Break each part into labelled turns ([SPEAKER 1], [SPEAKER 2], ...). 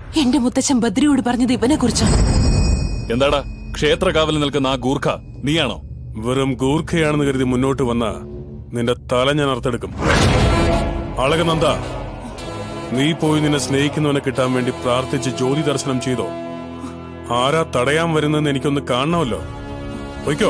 [SPEAKER 1] എന്റെ മുത്തച്ഛൻ ബദ്രിയോട് പറഞ്ഞത് ഇവനെ കുറിച്ചാണ്.
[SPEAKER 2] എന്താടാ ക്ഷേത്ര കാവലിൽ നിൽക്കുന്ന ആ ഗൂർഖ നീയാണോ?
[SPEAKER 3] വെറും ഗൂർഖയാണെന്ന് കരുതി മുന്നോട്ട് വന്ന നിന്റെ തല ഞാൻ അർത്തെടുക്കും. അളകനന്ദ, നീ പോയി നിന്നെ സ്നേഹിക്കുന്നവനെ കിട്ടാൻ വേണ്ടി പ്രാർത്ഥിച്ച് ജ്യോതി ദർശനം ചെയ്തോ? ആരാ തടയാൻ വരുന്നെന്ന് എനിക്കൊന്ന് കാണണമല്ലോ. പോയിക്കോ.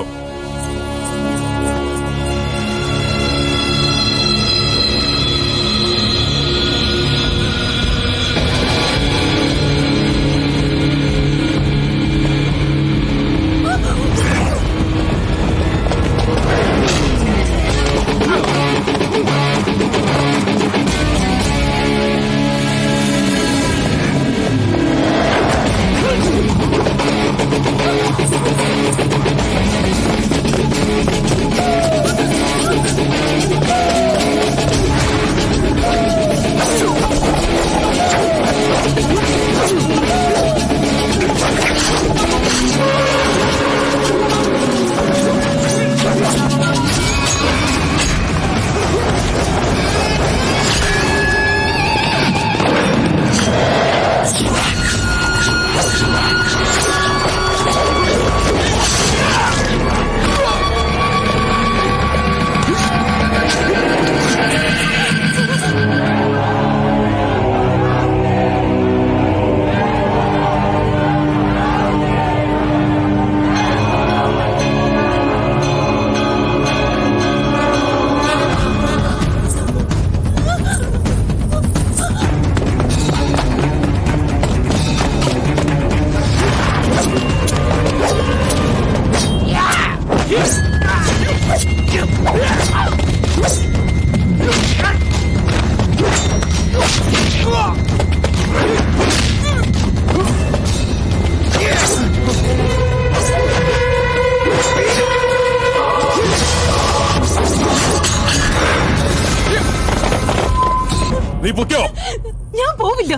[SPEAKER 3] നീ പൊക്കോ.
[SPEAKER 1] ഞാൻ പോവില്ല.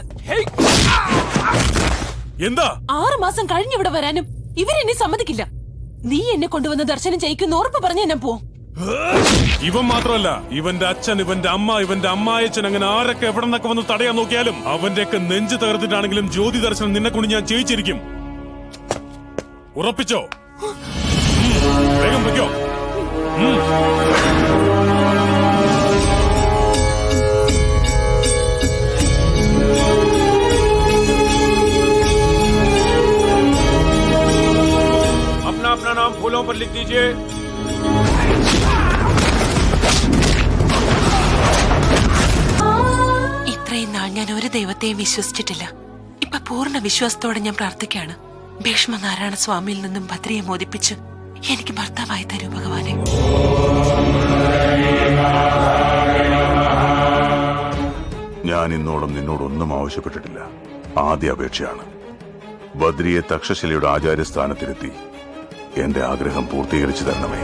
[SPEAKER 3] എന്താ
[SPEAKER 1] 6 മാസം കഴിഞ്ഞ് ഇവിടെ വരാനും ഇവരെന്നെ സമ്മതിക്കില്ല. നീ എന്നെ കൊണ്ടുവന്ന് ദർശനം ചെയ്യിക്കുന്ന ഉറപ്പ് പറഞ്ഞ ഞാൻ പോവും.
[SPEAKER 3] ഇവൻ മാത്രമല്ല, ഇവന്റെ അച്ഛൻ, ഇവന്റെ അമ്മ, ഇവന്റെ അമ്മായച്ചൻ, അങ്ങനെ ആരൊക്കെ എവിടെ നിന്നൊക്കെ വന്ന് തടയാൻ നോക്കിയാലും അവന്റെയൊക്കെ നെഞ്ച് തകർത്തിട്ടാണെങ്കിലും ജ്യോതി ദർശനം നിന്നെ കൊണ്ട് ഞാൻ ചെയ്യിച്ചിരിക്കും. ഉറപ്പിച്ചോ? വേഗം വെക്കോ. अपना अपना नाम फूलों पर लिख दीजिए.
[SPEAKER 1] ഇത്രയും നാൾ ഞാൻ ഒരു ദൈവത്തെയും വിശ്വസിച്ചിട്ടില്ല. ഇപ്പൊ പൂർണ്ണ വിശ്വാസത്തോടെ ഞാൻ പ്രാർത്ഥിക്കുകയാണ്. ഭീഷ്മനാരായണ സ്വാമിയിൽ നിന്നും ഭദ്രയെ മോദിപ്പിച്ച് എനിക്ക് ഭർത്താവായി തരൂ ഭഗവാനെ.
[SPEAKER 4] ഞാൻ ഇന്നോളം നിന്നോടൊന്നും ആവശ്യപ്പെട്ടിട്ടില്ല. ആദ്യ അപേക്ഷയാണ്. ബദ്രിയെ തക്ഷശിലയുടെ ആചാര്യസ്ഥാനത്തിരുത്തി എന്റെ ആഗ്രഹം പൂർത്തീകരിച്ചു തരണമേ.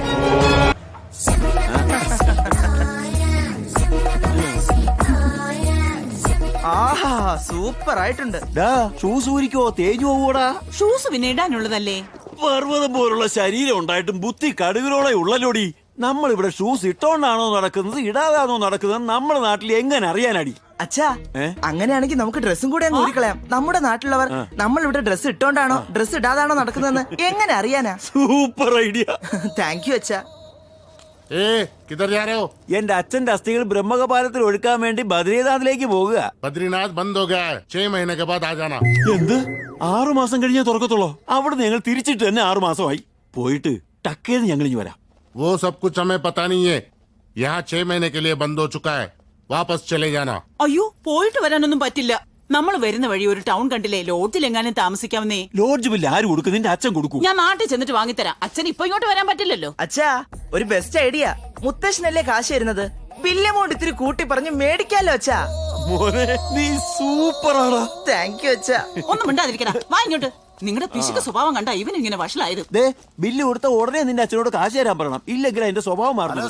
[SPEAKER 5] ആഹാ, സൂപ്പർ ആയിട്ടുണ്ട്.
[SPEAKER 6] ഷൂസ് ഊരിക്കോ, തേഞ്ഞു പോവൂടാ.
[SPEAKER 5] ഷൂസ് പിന്നെ ഇടാനുള്ളതല്ലേ?
[SPEAKER 6] പർവ്വതം പോലുള്ള ശരീരം ഉണ്ടായിട്ടും ബുദ്ധി കടുകിലോളെ ഉള്ളല്ലോടി. നമ്മൾ ഇവിടെ ഷൂസ് ഇട്ടോണ്ടാണോ നടക്കുന്നത് ഇടാതാണോ നടക്കുന്നത് നമ്മുടെ നാട്ടിൽ എങ്ങനെ അറിയാനടി?
[SPEAKER 5] അച്ഛാ, അങ്ങനെയാണെങ്കിൽ നമുക്ക് ഡ്രസ്സും കൂടെ അങ്ങ് ഊരിക്കളയാം. നമ്മുടെ നാട്ടിലുള്ളവർ നമ്മൾ ഇവിടെ ഡ്രസ്സ് ഇട്ടോണ്ടാണോ ഡ്രസ്സ് ഇടാതാണോ നടക്കുന്നതെന്ന് എങ്ങനെ അറിയാനാ?
[SPEAKER 6] Super idea.
[SPEAKER 5] താങ്ക് യു അച്ഛാ.
[SPEAKER 7] किधर जा रहे हो?
[SPEAKER 6] എന്റെ അച്ഛന്റെ അസ്ഥികൾ ബ്രഹ്മകപാലത്തിൽ ഒഴുക്കാൻ വേണ്ടി ബദ്രീനാഥിലേക്ക് പോകുക.
[SPEAKER 7] बद्रीनाथ बंद हो गया है, 6 महीने के बाद आ जाना.
[SPEAKER 6] എന്ത്? 6 മാസം കഴിഞ്ഞേ തുറക്കത്തുള്ളോ? അവിടെ ഞങ്ങൾ തിരിച്ചിട്ട് തന്നെ 6 മാസമായി. പോയിട്ട് ടക്കേന്ന് ഞങ്ങൾ ഇനി വരാം.
[SPEAKER 7] वो सब कुछ हमें पता नहीं है. यहाँ 6 महीने के लिए बंद हो चुका है. वापस चले जाना.
[SPEAKER 5] അയ്യോ, പോയിട്ട് വരാനൊന്നും പറ്റില്ല. നമ്മൾ വരുന്ന വഴി ഒരു ടൗൺ കണ്ടില്ലേ, ലോഡ്ജിൽ എങ്ങാനും താമസിക്കാവുന്നേ.
[SPEAKER 6] ലോഡ്ജ് ബില്ല് ആര് കൊടുക്കും? നിന്റെ അച്ഛൻ കൊടുക്കും.
[SPEAKER 5] ഞാൻ നാട്ടിൽ ചെന്നിട്ട് വാങ്ങിത്തരാം. അച്ഛൻ ഇപ്പൊ ഇങ്ങോട്ട് വരാൻ പറ്റില്ലല്ലോ.
[SPEAKER 8] അച്ഛാ, ഒരു ബെസ്റ്റ് ഐഡിയ. മുത്തശ്ശനല്ലേ കാശ് തരുന്നത്, ബില്ല് എമൗണ്ട് ഇത്തിരി കൂട്ടി പറഞ്ഞ് മേടിക്കാലോ അച്ഛാ.
[SPEAKER 6] മോനെ, നീ സൂപ്പറാടാ.
[SPEAKER 8] താങ്ക് യു അച്ഛാ.
[SPEAKER 5] ഒന്നും മിണ്ടാതിരിക്കണ, വാ ഇങ്ങോട്ട്. നിങ്ങളുടെ പിശുക്ക് സ്വഭാവം കണ്ട ഇവൻ ഇങ്ങനെ വഷളായത്.
[SPEAKER 6] ദേ, ബില്ല് കൊടുത്ത ഉടനെ നിന്റെ അച്ഛനോട് കാശ് തരാൻ പറയണം. ഇല്ലെങ്കിൽ അതിന്റെ സ്വഭാവം മാറണം.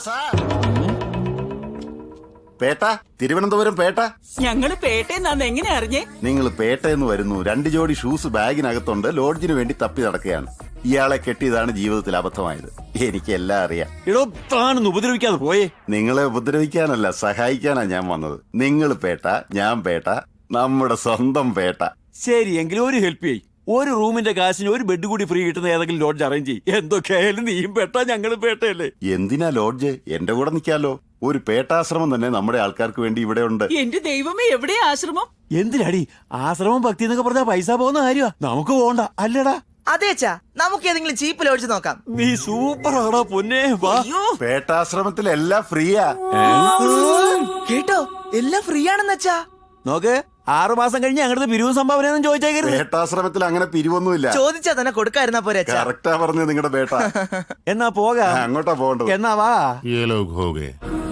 [SPEAKER 4] പേട്ട, തിരുവനന്തപുരം പേട്ട.
[SPEAKER 5] ഞങ്ങള് പേട്ടേന്നാന്ന് എങ്ങനെ അറിഞ്ഞേ?
[SPEAKER 4] നിങ്ങൾ പേട്ടയെന്ന് വരുന്നു. 2 ജോഡി ഷൂസ് ബാഗിനകത്തുണ്ട്. ലോഡ്ജിന് വേണ്ടി തപ്പി നടക്കുകയാണ്. ഇയാളെ കെട്ടിയതാണ് ജീവിതത്തിൽ അബദ്ധമായത്. എനിക്ക് എല്ലാം അറിയാം.
[SPEAKER 6] എടോ, താനൊന്ന് ഉപദ്രവിക്കാതെ പോയേ.
[SPEAKER 4] നിങ്ങളെ ഉപദ്രവിക്കാനല്ല, സഹായിക്കാനാ ഞാൻ വന്നത്. നിങ്ങൾ പേട്ട, ഞാൻ പേട്ട, നമ്മുടെ സ്വന്തം പേട്ട.
[SPEAKER 6] ശരി എങ്കിലും ഒരു ഹെൽപ്പ് ചെയ്യ്. ഒരു റൂമിന്റെ കാശിന് ഒരു ബെഡ് കൂടി ഫ്രീ കിട്ടുന്ന ഏതെങ്കിലും ലോഡ്ജ് അറേഞ്ച് ചെയ്യും. എന്തൊക്കെയായാലും നീയും പേട്ട ഞങ്ങളും പേട്ടയല്ലേ.
[SPEAKER 4] എന്തിനാ ലോഡ്ജ്? എന്റെ കൂടെ നിൽക്കാലോ. ഒരു പേട്ടാശ്രമം തന്നെ നമ്മുടെ ആൾക്കാർക്ക് വേണ്ടി ഇവിടെ ഉണ്ട്.
[SPEAKER 9] എന്റെ ദൈവമേ, എവിടെയാ ആശ്രമം?
[SPEAKER 6] എന്തിനാടി ആശ്രമം ഭക്തി എന്നൊക്കെ പറഞ്ഞാൽ പൈസ പോകുന്ന കാര്യമാ. നമുക്ക് പോകണ്ട അല്ലടാ.
[SPEAKER 8] അതേച്ചാ, നമുക്ക് ഏതെങ്കിലും ചീപ്പ് ലോഡ്ജ് നോക്കാം.
[SPEAKER 6] നീ സൂപ്പർ ആടാ പൊന്നെ. വാ.
[SPEAKER 4] പേട്ടാശ്രമത്തിൽ എല്ലാം ഫ്രീയാ.
[SPEAKER 8] കേട്ടോ, എല്ലാം ഫ്രീ ആണെന്ന് വെച്ചാ.
[SPEAKER 6] നോക്ക്, 6 മാസം കഴിഞ്ഞ് ഞങ്ങളുടെ പിരിവും സംഭാവന ചോദിച്ചേക്കരുത്.
[SPEAKER 4] പേട്ടാശ്രമത്തിൽ അങ്ങനെ പിരിവൊന്നുമില്ല.
[SPEAKER 8] ചോദിച്ചാ തന്നെ കൊടുക്കായിരുന്നാ പോരെ അച്ഛാ.
[SPEAKER 4] കറക്റ്റാ പറഞ്ഞത് നിങ്ങളുടെ പേട്ട.
[SPEAKER 6] എന്നാ പോകാം.
[SPEAKER 4] അങ്ങോട്ടാ പോകേണ്ടത്.
[SPEAKER 6] എന്നാ വാ.
[SPEAKER 7] ये लोग हो गए.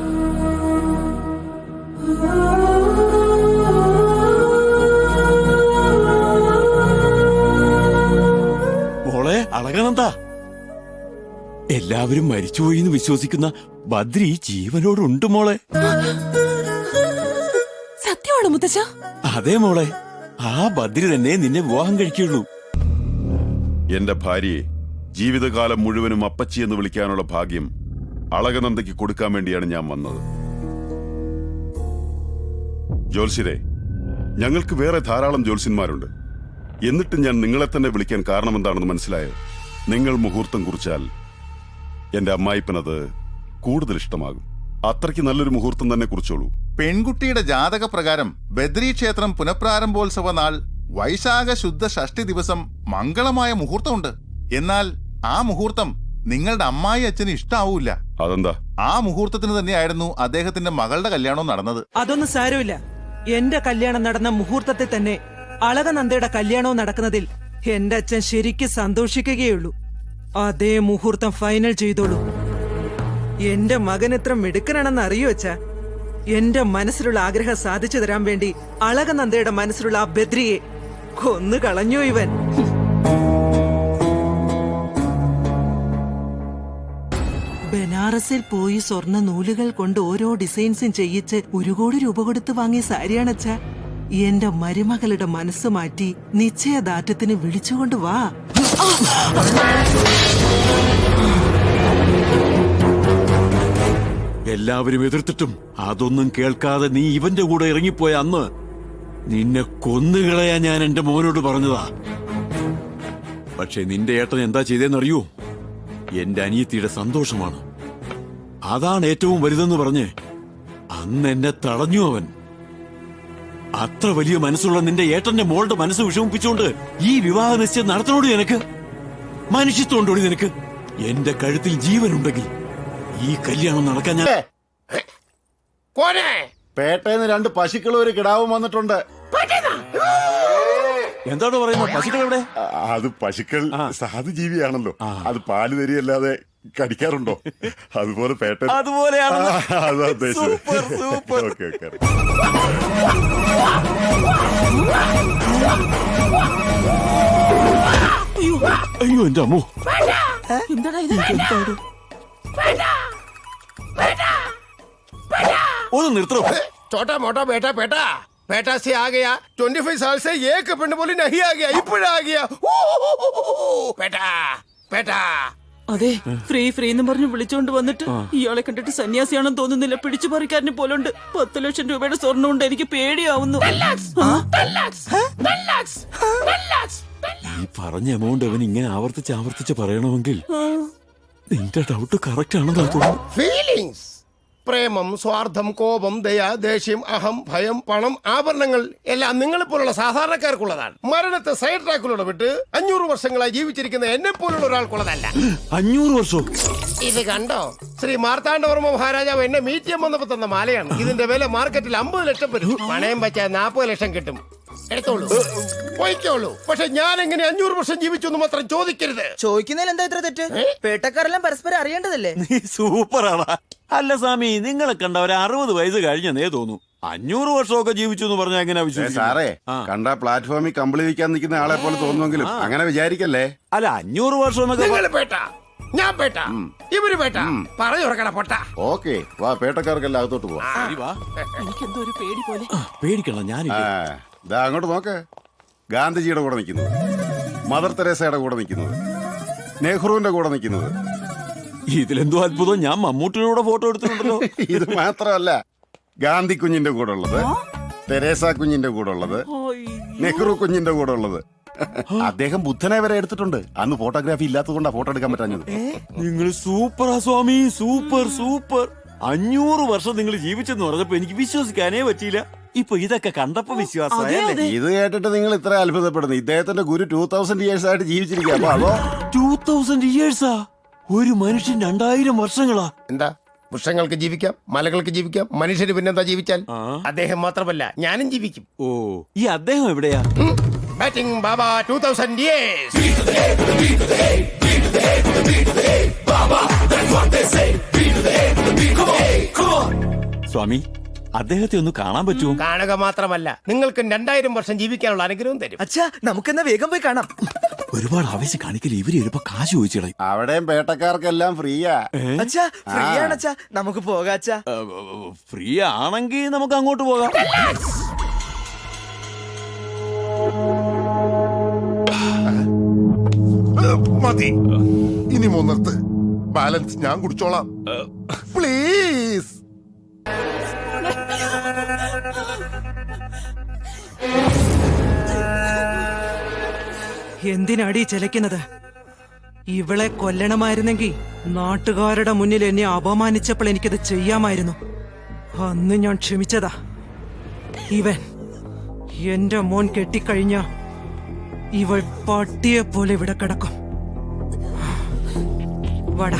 [SPEAKER 6] മോളെ അളകനന്ദ, എല്ലാവരും മരിച്ചുപോയി എന്ന് വിശ്വസിക്കുന്ന ബദ്രി ജീവനോടുണ്ട് മോളെ.
[SPEAKER 1] സത്യമാണോ മുത്തച്ഛ?
[SPEAKER 6] അതെ മോളെ, ആ ബദ്രി തന്നെ നിന്നെ വിവാഹം കഴിക്കുള്ളൂ.
[SPEAKER 10] എന്റെ ഭാര്യയെ ജീവിതകാലം മുഴുവനും അപ്പച്ചി എന്ന് വിളിക്കാനുള്ള ഭാഗ്യം അളകനന്ദയ്ക്ക് കൊടുക്കാൻ വേണ്ടിയാണ് ഞാൻ വന്നത്. ജോത്സ്യരെ, ഞങ്ങൾക്ക് വേറെ ധാരാളം ജ്യോത്സ്യന്മാരുണ്ട്. എന്നിട്ടും ഞാൻ നിങ്ങളെ തന്നെ വിളിക്കാൻ കാരണം എന്താണെന്ന് മനസ്സിലായോ? നിങ്ങൾ മുഹൂർത്തം കുറിച്ചാൽ എന്റെ അമ്മായിപ്പനത് കൂടുതൽ ഇഷ്ടമാകും. അത്രയ്ക്ക് നല്ലൊരു മുഹൂർത്തം തന്നെ കുറിച്ചോളൂ.
[SPEAKER 11] പെൺകുട്ടിയുടെ ജാതക പ്രകാരം ബദ്രി ക്ഷേത്രം പുനഃപ്രാരംഭോത്സവ നാൾ വൈശാഖ ശുദ്ധ ഷഷ്ടി ദിവസം മംഗളമായ മുഹൂർത്തമുണ്ട്. എന്നാൽ ആ മുഹൂർത്തം നിങ്ങളുടെ അമ്മായി അച്ഛന് ഇഷ്ടാവൂല.
[SPEAKER 10] അതെന്താ?
[SPEAKER 11] ആ മുഹൂർത്തത്തിന് തന്നെയായിരുന്നു അദ്ദേഹത്തിന്റെ മകളുടെ കല്യാണം നടന്നത്.
[SPEAKER 9] അതൊന്നും സാരമില്ല. എന്റെ കല്യാണം നടന്ന മുഹൂർത്തത്തിൽ തന്നെ അളകനന്ദയുടെ കല്യാണവും നടക്കുന്നതിൽ എന്റെ അച്ഛൻ ശരിക്കും സന്തോഷിക്കുകയുള്ളൂ. അതേ മുഹൂർത്തം ഫൈനൽ ചെയ്തോളൂ. എന്റെ മകൻ എത്ര മിടുക്കനാണെന്ന് അറിയോ അച്ഛാ? എന്റെ മനസ്സിലുള്ള ആഗ്രഹം സാധിച്ചു തരാൻ വേണ്ടി അളകനന്ദയുടെ മനസ്സിലുള്ള ആ ബദ്രിയെ കൊന്നു കളഞ്ഞു ഇവൻ. ബനാറസിൽ പോയി സ്വർണ്ണ നൂലുകൾ കൊണ്ട് ഓരോ ഡിസൈൻസും ചെയ്യിച്ച് 1 കോടി രൂപ കൊടുത്ത് വാങ്ങിയ സാരിയാണച്ചാ. എന്റെ മരുമകളുടെ മനസ്സ് മാറ്റി നിശ്ചയദാർഢ്യത്തിന് വിളിച്ചുകൊണ്ട് വാ.
[SPEAKER 6] എല്ലാവരും എതിർത്തിട്ടും അതൊന്നും കേൾക്കാതെ നീ ഇവന്റെ കൂടെ ഇറങ്ങിപ്പോയ അന്ന് നിന്നെ കൊന്നുകളയാ ഞാൻ എന്റെ മോനോട് പറഞ്ഞതാ. പക്ഷെ നിന്റെ ഏട്ടൻ എന്താ ചെയ്തേന്നറിയോ? എന്റെ അനിയത്തിയുടെ സന്തോഷമാണ്, അതാണ് ഏറ്റവും വലുതെന്ന് പറഞ്ഞ് അന്ന് എന്നെ തടഞ്ഞു അവൻ. അത്ര വലിയ മനസ്സുള്ള നിന്റെ ഏട്ടന്റെ മോളുടെ മനസ്സ് വിഷമിപ്പിച്ചുകൊണ്ട് ഈ വിവാഹ നിശ്ചയം നടത്തണോടി നിനക്ക്? മനുഷ്യത്വമുണ്ടോടി നിനക്ക്? എന്റെ കഴുത്തിൽ ജീവനുണ്ടെങ്കിൽ ഈ കല്യാണം നടക്കാൻ ഞാൻ...
[SPEAKER 4] പേട്ടേന്ന് 2 പശുക്കളും ഒരു കിടാവും വന്നിട്ടുണ്ട്.
[SPEAKER 6] എന്താണ് പറയുന്നത്? പശുക്കൾ എവിടെ?
[SPEAKER 10] അത് പശുക്കൾ സാധു ജീവിയാണല്ലോ. അത് പാല് തരിയല്ലാതെ കടിക്കാറുണ്ടോ? അതുപോലെ പേട്ട
[SPEAKER 6] അതുപോലെയാണ്.
[SPEAKER 10] അതാ ഉദ്ദേശിച്ചത്. Okay okay.
[SPEAKER 6] അയ്യോ എന്റെ അമ്മോ,
[SPEAKER 9] എന്താടാ ഇത്?
[SPEAKER 6] ഒന്ന് നിർത്തോ.
[SPEAKER 7] छोटा मोटा बेटा बेटा बेटा से आ गया. 25 साल से एक पिंड बोली नहीं आ गया. इपड़ा आ गया. बेटा बेटा.
[SPEAKER 9] അതെ, ഫ്രീ ഫ്രീ എന്ന് പറഞ്ഞ് വിളിച്ചോണ്ട് വന്നിട്ട് ഇയാളെ കണ്ടിട്ട് സന്യാസിയാണെന്ന് തോന്നുന്നില്ല. പിടിച്ചുപറിക്കാരനെ പോലുണ്ട്. 10 ലക്ഷം രൂപയുടെ സ്വർണ്ണം കൊണ്ട് എനിക്ക് പേടിയാവുന്നു.
[SPEAKER 6] ഈ പറഞ്ഞ എമൗണ്ട് അവൻ ഇങ്ങനെ ആവർത്തിച്ച് പറയണമെങ്കിൽ നിന്റെ ഡൗട്ട് കറക്റ്റ് ആണെന്ന് തോന്നുന്നു.
[SPEAKER 7] ഫീലിംഗ്സ്, പ്രേമം, സ്വാർത്ഥം, കോപം, ദയ, ദേഷ്യം, അഹം, ഭയം, പണം, ആഭരണങ്ങൾ എല്ലാം നിങ്ങളെപ്പോലുള്ള സാധാരണക്കാർക്കുള്ളതാണ്. മരണത്തെ സൈഡ് ട്രാക്കിലൂടെ വിട്ട് 500 വർഷങ്ങളായി ജീവിച്ചിരിക്കുന്ന എന്നെ പോലുള്ള ഒരാൾക്കുള്ളതല്ല.
[SPEAKER 6] 500 വർഷം?
[SPEAKER 7] ഇത് കണ്ടോ? ശ്രീ മാർത്താണ്ഡവർമ്മ മഹാരാജാവ് എന്നെ മീറ്റ് ചെയ്യാൻ വന്നപ്പോ തന്ന മാലയാണ്. ഇതിന്റെ വില മാർക്കറ്റിൽ 50 ലക്ഷം വരും. പണയം വെച്ചാൽ 40 ലക്ഷം കിട്ടും. എടുത്തോളൂ, പോയിക്കോളൂ. പക്ഷെ ഞാൻ എങ്ങനെ 500 വർഷം ജീവിച്ചു എന്ന് മാത്രം ചോദിക്കരുത്.
[SPEAKER 8] ചോദിക്കുന്നതിൽ എന്താ ഇത്ര തെറ്റ്? പേട്ടക്കാരെല്ലാം പരസ്പരം അറിയേണ്ടതല്ലേ?
[SPEAKER 6] നീ സൂപ്പറാണ്. അല്ല സ്വാമി, നിങ്ങളെ കണ്ട ഒരു 60 വയസ്സ് കഴിഞ്ഞെന്നേ തോന്നു. 500 വർഷമൊക്കെ ജീവിച്ചു എന്ന് പറഞ്ഞാൽ എങ്ങനെ വിശ്വസിക്കും?
[SPEAKER 4] സാറേ, കണ്ട പ്ലാറ്റ്ഫോമിൽ കമ്പിളി വിൽക്കാൻ നിൽക്കുന്ന ആളെ പോലെ തോന്നുമെങ്കിലും അങ്ങനെ വിചാരിക്കല്ലേ.
[SPEAKER 6] അല്ല, 500 വർഷം എന്നൊക്കെ
[SPEAKER 7] പേട്ട, ഞാൻ പേട്ട, ഇവര് പേട്ട, പറഞ്ഞു കൊടുക്കണ പൊട്ട.
[SPEAKER 4] ഓക്കെ, വാ, പേട്ടക്കാർക്കെല്ലാം അകത്തോട്ട് പോവാ.
[SPEAKER 9] എനിക്കെന്തോ ഒരു പേടി പോലെ.
[SPEAKER 6] പേടിക്കണം. ഞാൻ
[SPEAKER 4] ദാ അങ്ങോട്ട് നോക്ക്. ഗാന്ധിജിയുടെ കൂടെ നിൽക്കുന്നത്, മദർ തെരേസയുടെ കൂടെ നിൽക്കുന്നത്, നെഹ്റുവിന്റെ കൂടെ നിൽക്കുന്നത്.
[SPEAKER 6] ഇതിലെന്തോ അത്ഭുതം, ഞാൻ മമ്മൂട്ടിയുടെ ഫോട്ടോ എടുത്തിട്ടുണ്ടല്ലോ.
[SPEAKER 4] ഇത് മാത്രമല്ല, ഗാന്ധി കുഞ്ഞിന്റെ കൂടെ ഉള്ളത്, തെരേസ കുഞ്ഞിന്റെ കൂടെ ഉള്ളത്, നെഹ്റു കുഞ്ഞിന്റെ കൂടെ ഉള്ളത്. അദ്ദേഹം ബുദ്ധനെ വരെ എടുത്തിട്ടുണ്ട്. അന്ന് ഫോട്ടോഗ്രാഫി ഇല്ലാത്തതുകൊണ്ടാ ഫോട്ടോ എടുക്കാൻ പറ്റാഞ്ഞത്.
[SPEAKER 6] നിങ്ങൾ സൂപ്പറാ സ്വാമി, സൂപ്പർ സൂപ്പർ. 500 വർഷം നിങ്ങൾ ജീവിച്ചെന്ന് പറഞ്ഞപ്പോ എനിക്ക് വിശ്വസിക്കാനേ പറ്റിയില്ല. ഇപ്പൊ ഇതൊക്കെ കണ്ടപ്പോ വിശ്വാസമായല്ലേ?
[SPEAKER 4] ഇത് കേട്ടിട്ട് നിങ്ങൾ ഇത്ര അത്ഭുതപ്പെടുന്നു. ഇദ്ദേഹത്തിന്റെ ഗുരു 2000 years ആയിട്ട് ജീവിച്ചിരിക്കുക. അപ്പൊ അതോ
[SPEAKER 6] 2000 years? ഒരു മനുഷ്യൻ 2000 വർഷങ്ങളാ?
[SPEAKER 7] എന്താ, വൃക്ഷങ്ങൾക്ക് ജീവിക്കാം, മലകൾക്ക് ജീവിക്കാം, മനുഷ്യന് പിന്നെന്താ ജീവിച്ചാൽ? അദ്ദേഹം മാത്രമല്ല, ഞാനും ജീവിക്കും.
[SPEAKER 6] ഓ, ഈ അദ്ദേഹം എവിടെയാ?
[SPEAKER 7] ബാറ്റിംഗ് ബാബ 2000 years.
[SPEAKER 6] സ്വാമി, അദ്ദേഹത്തെ ഒന്ന് കാണാൻ പറ്റുമോ?
[SPEAKER 7] കാണുക മാത്രമല്ല, നിങ്ങൾക്ക് 2000 വർഷം ജീവിക്കാനുള്ള അനുഗ്രഹം തരും.
[SPEAKER 8] അച്ഛാ, നമുക്കെന്നാ വേഗം പോയി കാണാം.
[SPEAKER 6] ഒരുപാട് ആവശ്യം കാണിക്കല്. ഇവര് ചിലപ്പോ കാശ് ചോദിച്ചിട.
[SPEAKER 4] അവിടെയും പേട്ടക്കാർക്കെല്ലാം ഫ്രീയാ.
[SPEAKER 8] അച്ഛാ, ഫ്രീ ആണ് അച്ഛാ, നമുക്ക് പോകാം അച്ഛാ.
[SPEAKER 6] ഫ്രീ ആണെങ്കിൽ നമുക്ക് അങ്ങോട്ട് പോകാം.
[SPEAKER 11] മതി, ഇനി മൂന്നത്ത് ബാലൻസ് ഞാൻ കുടിച്ചോളാം. പ്ലീസ്.
[SPEAKER 9] എന്തിനാടി ചെലക്കുന്നത്? ഇവളെ കൊല്ലണമായിരുന്നെങ്കിൽ നാട്ടുകാരുടെ മുന്നിൽ എന്നെ അപമാനിച്ചപ്പോൾ എനിക്കത് ചെയ്യാമായിരുന്നു. അന്ന് ഞാൻ ക്ഷമിച്ചതാ. ഇവൻ എന്റെ മോൻ കെട്ടിക്കഴിഞ്ഞ ഇവൾ പട്ടിയെ പോലെ ഇവിടെ കിടക്കും. വടാ.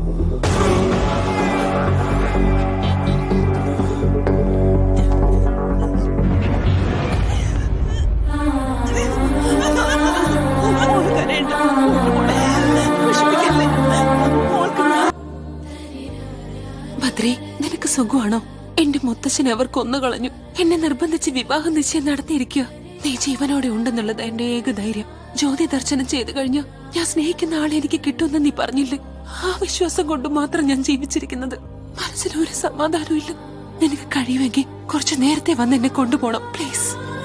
[SPEAKER 1] ബദ്രി, നിനക്ക് സുഖമാണോ? എന്റെ മുത്തച്ഛനെ അവർ കൊന്നുകളഞ്ഞു. എന്നെ നിർബന്ധിച്ച് വിവാഹ നിശ്ചയം നടത്തിയിരിക്കുക. നീ ജീവനോടെ ഉണ്ടെന്നുള്ളത് എന്റെ ഏക ധൈര്യം. ജ്യോതി ദർശനം ചെയ്തു കഴിഞ്ഞു ഞാൻ സ്നേഹിക്കുന്ന ആളെ എനിക്ക് കിട്ടുമെന്ന് നീ പറഞ്ഞില്ലേ? ആ വിശ്വാസം കൊണ്ട് മാത്രം ഞാൻ ജീവിച്ചിരിക്കുന്നത്. മനസ്സിലൊരു സമാധാനവും ഇല്ല. നിനക്ക് കഴിയുമെങ്കിൽ കുറച്ചു നേരത്തെ വന്ന് എന്നെ കൊണ്ടുപോകണം പ്ലീസ്.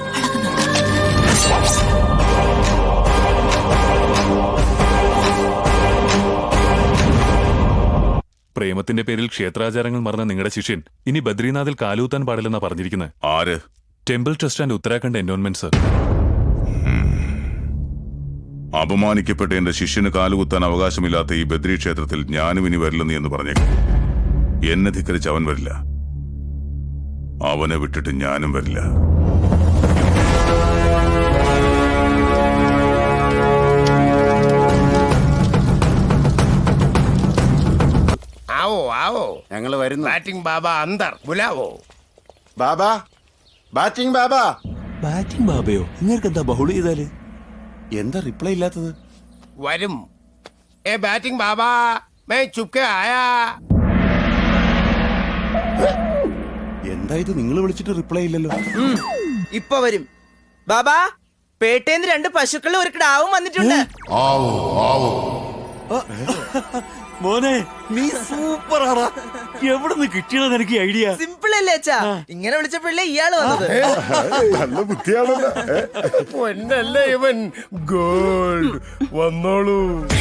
[SPEAKER 2] പ്രേമത്തിന്റെ പേരിൽ ക്ഷേത്രാചാരങ്ങൾ മറന്ന നിങ്ങളുടെ ശിഷ്യൻ ഇനി ബദ്രീനാഥിൽ കാലൂത്താൻ പാടില്ലെന്നാ പറഞ്ഞിരിക്കുന്നത്.
[SPEAKER 10] ആര്?
[SPEAKER 2] Temple trust and Uttarakhand endowment sir.
[SPEAKER 10] അപമാനിക്കപ്പെട്ട എന്റെ ശിഷ്യന് കാലുകുത്താൻ അവകാശമില്ലാത്ത ഈ ബദ്രി ക്ഷേത്രത്തിൽ ഞാനും ഇനി വരില്ലെന്ന് എന്ന് പറഞ്ഞേക്കും. എന്നെ ധിക്കരിച്ച് അവൻ വരില്ല. അവനെ വിട്ടിട്ട് ഞാനും വരില്ല.
[SPEAKER 7] ആവോ ആവോ,
[SPEAKER 4] ഞങ്ങള് വരുന്നു.
[SPEAKER 7] ബാറ്റിംഗ് ബാബ അന്തർ ബുലാവോ.
[SPEAKER 4] ബാബാ, ബാറ്റിംഗ് ബാബാ.
[SPEAKER 6] ബാറ്റിംഗ് ബാബയോ? നിങ്ങൾക്ക് എന്താ ബഹുള ചെയ്താല്?
[SPEAKER 4] എന്താ റിപ്ലൈ ഇല്ലാത്തത്?
[SPEAKER 7] വരും. ഏ ബാറ്റിംഗ് ബാബാ, മേ ചുപ്കെ ആയാ.
[SPEAKER 4] എന്താ ഇത്, നിങ്ങൾ വിളിച്ചിട്ട് റിപ്ലൈ ഇല്ലല്ലോ?
[SPEAKER 8] ഇപ്പൊ വരും. ബാബാ, പേട്ടേന്ന് 2 പശുക്കളും ഒരു കിടാവും വന്നിട്ടുണ്ട്.
[SPEAKER 11] ആവോ ആവോ.
[SPEAKER 6] മോനെ, നീ സൂപ്പറാടാ. എവിടുന്ന് കിട്ടിയതാ നിനക്ക് ഐഡിയ?
[SPEAKER 8] സിമ്പിൾ അല്ലേ അച്ഛാ? ഇങ്ങനെ വിളിച്ചപ്പോഴല്ലേ ഇയാള് വന്നത്.
[SPEAKER 4] നല്ല ബുദ്ധിയാണല്ലോ.
[SPEAKER 7] പൊന്നല്ലേ ഇവൻ. ഗോൾഡ് വന്നോളൂ.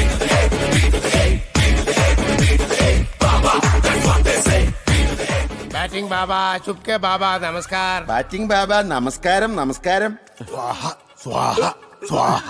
[SPEAKER 7] ബാറ്റിംഗ് ബാബ, ചുപ്കെ ബാബ, നമസ്കാർ.
[SPEAKER 4] ബാറ്റിംഗ് ബാബാ, നമസ്കാരം. നമസ്കാരം.
[SPEAKER 11] സ്വാഹ സ്വാഹ സ്വാഹ.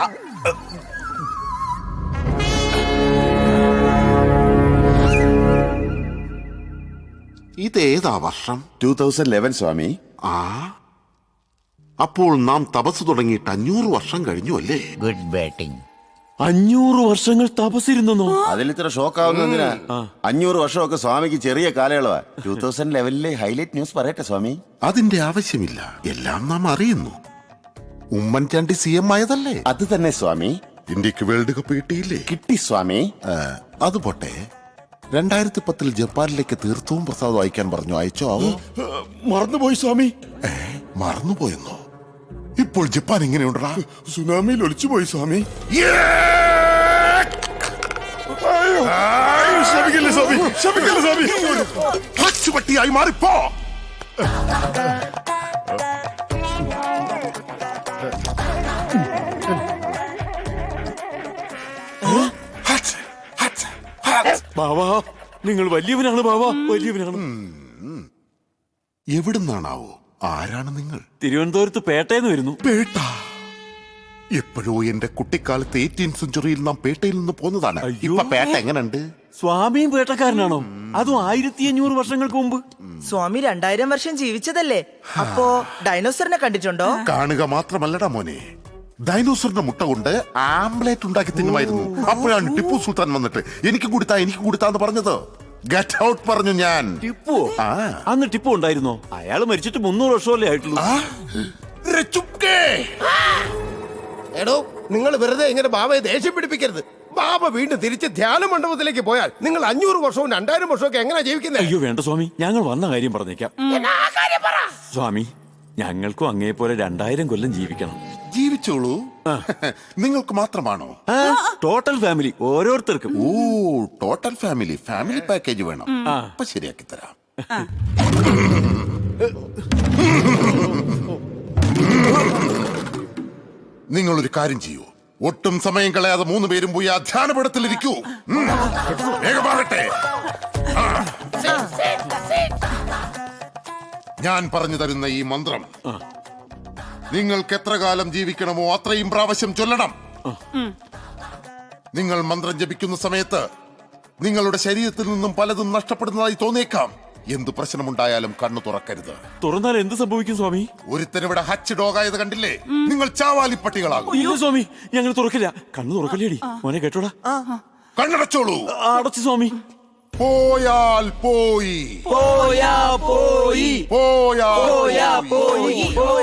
[SPEAKER 12] ഇതേതാ വർഷം?
[SPEAKER 4] 2011 സ്വാമി.
[SPEAKER 12] ആ, അപ്പോൾ നാം തപസ് തുടങ്ങിയിട്ട് 500 വർഷം കഴിഞ്ഞു അല്ലേ?
[SPEAKER 7] Good batting.
[SPEAKER 6] 500 വർഷങ്ങൾ തപസ്സിരുന്നോ?
[SPEAKER 4] അതിലിത്ര ഷോക്കാവുന്നതിനാ? 500 വർഷമൊക്കെ സ്വാമിക്ക് ചെറിയ കാലയളവാ. 2011 ഹൈലൈറ്റ് ന്യൂസ് പറയട്ടെ സ്വാമി.
[SPEAKER 12] അതിന്റെ ആവശ്യമില്ല, എല്ലാം നാം അറിയുന്നു. ഉമ്മൻചാണ്ടി CM ആയതല്ലേ?
[SPEAKER 4] അത് തന്നെ സ്വാമി.
[SPEAKER 12] ഇന്ത്യക്ക് വേൾഡ് കപ്പ് കിട്ടിയില്ലേ?
[SPEAKER 4] കിട്ടി സ്വാമി.
[SPEAKER 12] അത് പോട്ടെ, 2010 ജപ്പാനിലേക്ക് തീർത്ഥവും പ്രസാദവും അയക്കാൻ പറഞ്ഞു. അയച്ചോ? ആവോ?
[SPEAKER 4] മറന്നുപോയി സ്വാമി.
[SPEAKER 12] മറന്നുപോയെന്നോ? ഇപ്പോൾ ജപ്പാൻ എങ്ങനെയുണ്ടാ?
[SPEAKER 4] സുനാമിയിൽ ഒളിച്ചുപോയി സ്വാമി.
[SPEAKER 12] പട്ടിയായി മാറിപ്പോ.
[SPEAKER 6] ബാവാ, നിങ്ങൾ വലിയവനാണ് ബാവാ, വലിയവനാണ്.
[SPEAKER 12] എവിടുന്നാണാവോ ആരാണ് നിങ്ങൾ?
[SPEAKER 6] തിരുവനന്തപുരത്ത് പേട്ടയെന്ന് വരുന്നു.
[SPEAKER 12] പേട്ട? എപ്പോഴോ എന്റെ കുട്ടിക്കാലത്ത് 18th സെഞ്ചുറിയിൽ നാം പേട്ടയിൽ നിന്ന് പോന്നതാണ്. ഇപ്പൊ പേട്ട എങ്ങനെയുണ്ട്?
[SPEAKER 6] സ്വാമിയും പേട്ടക്കാരനാണോ? അതും 1500 വർഷങ്ങൾക്ക് മുമ്പ്.
[SPEAKER 8] സ്വാമി 2000 വർഷം ജീവിച്ചതല്ലേ? അപ്പോ ഡൈനോസറിനെ കണ്ടിട്ടുണ്ടോ?
[SPEAKER 12] കാണുക മാത്രമല്ലടാ മോനെ, ഡൈനോസറിന്റെ മുട്ട കൊണ്ട് ആംബ്ലേറ്റ് ഉണ്ടാക്കി തിന്നുമായിരുന്നു. അപ്പോഴാണ് ടിപ്പു സുൽത്താൻ വന്നിട്ട് എനിക്ക് കൊടുത്താന്ന് പറഞ്ഞത്. ഗെറ്റ് ഔട്ട് പറഞ്ഞു ഞാൻ.
[SPEAKER 6] ടിപ്പു? അന്ന് ടിപ്പു ഉണ്ടായിരുന്നോ? അയാൾ മരിച്ചിട്ട് 300 വർഷമല്ലേ ആയിട്ടുള്ളൂ.
[SPEAKER 7] എടോ, നിങ്ങൾ വെറുതെ ഇങ്ങനെ ബാബയെ ദേഷ്യം പിടിപ്പിക്കരുത്. ബാബ വീണ്ടും തിരിച്ച് ധ്യാന മണ്ഡപത്തിലേക്ക് പോയാൽ നിങ്ങൾ 500 വർഷവും 2000 വർഷവും ഒക്കെ എങ്ങനെ ജീവിക്കുന്നത്?
[SPEAKER 6] അയ്യോ വേണ്ട സ്വാമി, ഞങ്ങൾ വന്ന കാര്യം പറഞ്ഞേക്കാം. സ്വാമി, ഞങ്ങൾക്കും അങ്ങേ പോലെ 2000 കൊല്ലം ജീവിക്കണം.
[SPEAKER 12] ജീവിച്ചോളൂ. നിങ്ങൾക്ക് മാത്രമാണോ?
[SPEAKER 6] ടോട്ടൽ ഫാമിലി, ഓരോരുത്തർക്കും.
[SPEAKER 12] ഓ, ടോട്ടൽ ഫാമിലി പാക്കേജ് വേണം. അപ്പൊ ശരിയാക്കി തരാം. നിങ്ങളൊരു കാര്യം ചെയ്യൂ, ഒട്ടും സമയം കളയാതെ 3 പേരും പോയി ആ ധ്യാനപീഠത്തിലിരിക്കൂ. വേഗമാകട്ടെ. ഞാൻ പറഞ്ഞു തരുന്ന ഈ മന്ത്രം നിങ്ങൾക്ക് എത്ര കാലം ജീവിക്കണമോ അത്രയും പ്രാവശ്യം ചൊല്ലണം. നിങ്ങൾ മന്ത്രം ജപിക്കുന്ന സമയത്ത് നിങ്ങളുടെ ശരീരത്തിൽ നിന്നും പലതും നഷ്ടപ്പെടുന്നതായി തോന്നിയേക്കാം. എന്ത് പ്രശ്നമുണ്ടായാലും കണ്ണു തുറക്കരുത്.
[SPEAKER 6] തുറന്നാൽ എന്ത് സംഭവിക്കും സ്വാമി?
[SPEAKER 12] ഒരുത്തനിവിടെ ഹച്ച് ഡോഗായത് കണ്ടില്ലേ? നിങ്ങൾ ചാവാലിപ്പട്ടികളാകും.
[SPEAKER 6] ഇല്ല സ്വാമി, ഞങ്ങൾ തുറക്കില്ല. കണ്ണു തുറക്കല്ലേടി മോനെ, കേട്ടോടാ.
[SPEAKER 12] കണ്ണടച്ചോളൂ.
[SPEAKER 6] അടച്ചു സ്വാമി.
[SPEAKER 12] പോയാൽ പോയി,
[SPEAKER 6] പോയാ പോയി,
[SPEAKER 12] പോയാ
[SPEAKER 6] പോയി,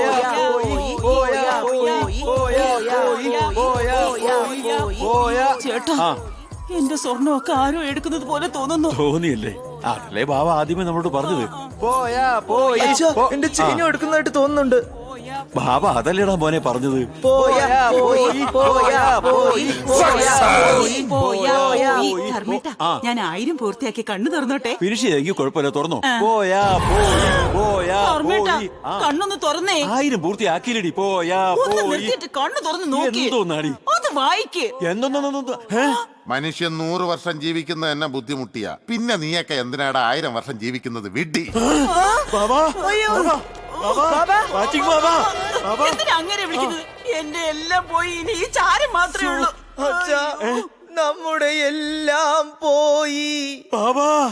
[SPEAKER 1] ചേട്ടാ, എന്റെ സ്വർണ്ണമൊക്കെ ആരോ എടുക്കുന്നത് പോലെ തോന്നുന്നു.
[SPEAKER 6] തോന്നിയല്ലേ? അതല്ലേ ബാബ ആദ്യമേ നമ്മളോട് പറഞ്ഞത്.
[SPEAKER 8] പോയാ പോയി. എന്റെ ചെയിനും എടുക്കുന്നതായിട്ട് തോന്നുന്നുണ്ട്.
[SPEAKER 6] ബാബ അതല്ലേടാ മോനെ പറഞ്ഞത്.
[SPEAKER 8] പോയാ പോയി, പോയാ പോയി,
[SPEAKER 1] ഞാൻ 1000 പൂർത്തിയാക്കി കണ്ണു തുറന്നോട്ടെ.
[SPEAKER 6] ഫിനിഷ് ചെയ്തെങ്കിൽ കുഴപ്പമില്ല, തുറന്നോ. പോയാ പോയി, പോയാ പോയി.
[SPEAKER 1] കണ്ണൊന്ന് തുറന്നേ.
[SPEAKER 6] 1000 പൂർത്തിയാക്കിയില്ലടി. പോയാ പോയി.
[SPEAKER 1] കണ്ണു തുറന്ന് നോക്കി.
[SPEAKER 6] എന്തോന്നാടി
[SPEAKER 1] അത് വായിക്ക്.
[SPEAKER 6] എന്തോന്നോ?
[SPEAKER 12] മനുഷ്യൻ 100 വർഷം ജീവിക്കുന്ന എന്നെ ബുദ്ധിമുട്ടിയ പിന്നെ നീയൊക്കെ എന്തിനാടാ 1000 വർഷം ജീവിക്കുന്നത്? വിഡ്ഢി.
[SPEAKER 1] എന്തിനാ അങ്ങനെ വിളിക്കുന്നത്? എന്റെ എല്ലാം പോയി, ഇനി ഈ ചാരം മാത്രമേ ഉള്ളൂ.
[SPEAKER 8] നമ്മുടെ എല്ലാം പോയി.
[SPEAKER 6] ബാബാ